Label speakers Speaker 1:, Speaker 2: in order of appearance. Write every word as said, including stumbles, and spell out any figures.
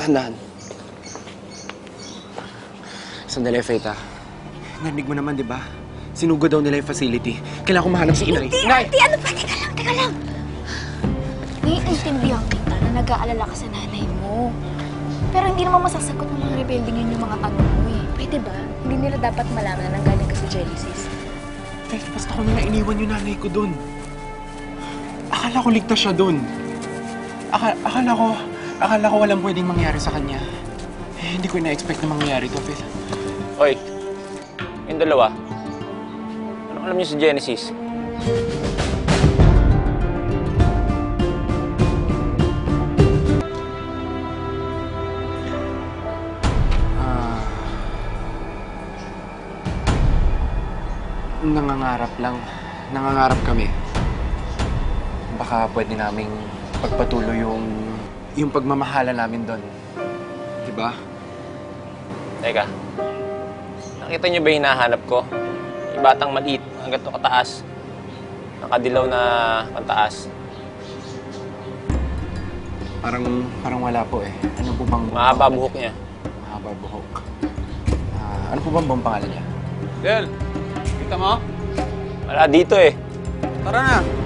Speaker 1: Dahan-dahan. Sandali, Faith, ah. Narinig mo naman, di ba? Sinugod daw nila yung facility. Kailangan ko mahanap si Inay.
Speaker 2: Hindi,
Speaker 1: Inay!
Speaker 2: Ate, ano ba? Teka lang, teka lang. Naiintindihan kita na nag-aalala ka sa nanay mo. Pero hindi naman masasagot ng mga rebelde ngayon yung mga tanong mo eh. Pwede ba? Hindi nila dapat malaman na nanggaling ka sa Genesis.
Speaker 1: Faith, basta ko na iniwan yung nanay ko dun. Akala ko ligtas siya dun. Aka akala ko, akala ko walang pwedeng mangyari sa kanya. Eh, hindi ko na-expect na mangyari to, Faith.
Speaker 3: Hoy, yung dalawa, anong alam niyo sa Genesis?
Speaker 1: Ah... nangangarap lang. Nangangarap kami. Baka pwede naming pagpatuloy yung yung pagmamahala namin doon. Diba?
Speaker 3: Teka, nakita niyo ba yung hinahanap ko? Yung batang maliit, hanggang to kataas. Nakadilaw na pantaas.
Speaker 1: Parang, parang wala po eh. Ano po bang...
Speaker 3: Mahaba buhok niya.
Speaker 1: Mahaba buhok. Ah, ano po bang buong pangalan niya?
Speaker 4: Del, kita mo?
Speaker 3: Wala dito eh.
Speaker 4: Tara na.